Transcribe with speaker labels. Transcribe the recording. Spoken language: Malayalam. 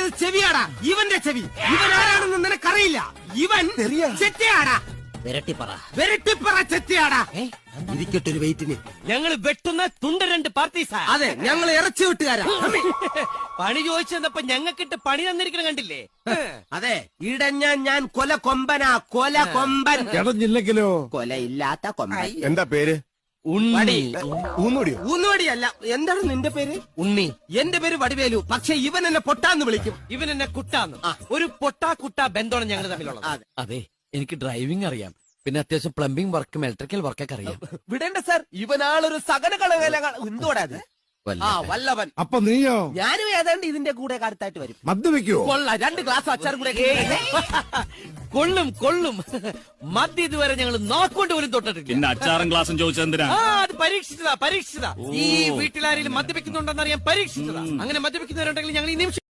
Speaker 1: പറഞ്ഞത് ചെവിയാടാ, ഇവന്റെ ചെവി. ഇവൻ ആരാണെന്ന് നിനക്കറിയില്ല. ഇവൻ ചെറ്റയാടാ, വെരട്ടിപ്പറ ചെറ്റയാടാ. ഇരിക്കട്ടൊരു വെയിറ്റിന്.
Speaker 2: ഞങ്ങൾ വെട്ടുന്ന തുണ്ട രണ്ട് പാർട്ടീസാ.
Speaker 1: അതെ, ഞങ്ങൾ ഇറച്ചി വിട്ടുകാരാ.
Speaker 2: പണി ചോദിച്ചപ്പോ ഞങ്ങൾക്കിട്ട് പണി തന്നിരിക്കണ കണ്ടില്ലേ?
Speaker 1: അതെ, ഞാൻ കൊല കൊമ്പനാ, കൊല കൊമ്പൻ.
Speaker 3: ഇടഞ്ഞില്ലെങ്കിലോ?
Speaker 1: കൊലയില്ലാത്ത കൊമ്പൻ.
Speaker 3: എന്താ പേര്?
Speaker 2: ഉണ്ണി.
Speaker 1: ഊന്നുവടിയല്ല. എന്താണ് നിന്റെ പേര്?
Speaker 2: ഉണ്ണി.
Speaker 1: എന്റെ പേര് വടിവേലു. പക്ഷെ ഇവൻ എന്നെ പൊട്ടാന്ന് വിളിക്കും.
Speaker 2: ഇവൻ എന്നെ കുട്ടാന്ന്. ഒരു പൊട്ടാ കുട്ടാ ബന്ധമാണ് ഞങ്ങൾ തമ്മിലുള്ളത്.
Speaker 4: അതെ, എനിക്ക് ഡ്രൈവിംഗ് അറിയാം, പിന്നെ അത്യാവശ്യം പ്ലംബിംഗ് വർക്കും ഇലക്ട്രിക്കൽ വർക്കൊക്കെ അറിയാം.
Speaker 1: വിടേണ്ട സാർ, ഇവനാളൊരു സകല കളവേല. എന്തോടാ അത്? വല്ലവൻ.
Speaker 3: അപ്പൊ നീയോ?
Speaker 1: ഞാനും ഏതാണ്ട് ഇതിന്റെ കൂടെ അടുത്തായിട്ട് വരും.
Speaker 3: മദ്യപിക്കോ?
Speaker 1: കൊള്ള 2 ഗ്ലാസ് അച്ചാറും കൂടെ.
Speaker 2: കൊള്ളും കൊള്ളും. മദ്യ ഇതുവരെ ഞങ്ങൾ നോക്കൊണ്ട് പോലും തൊട്ടിട്ടില്ല.
Speaker 5: പിന്നെ അച്ചാറും ഗ്ലാസും ചോദിച്ചെന്തിനാ?
Speaker 2: അത് പരീക്ഷിച്ചതാ. ഈ വീട്ടിലാരെങ്കിലും മദ്യപിക്കുന്നുണ്ടെന്നറിയാൻ പരീക്ഷിച്ചതാ. അങ്ങനെ മദ്യപിക്കുന്നവരുണ്ടെങ്കിൽ ഞങ്ങൾ ഈ നിമിഷം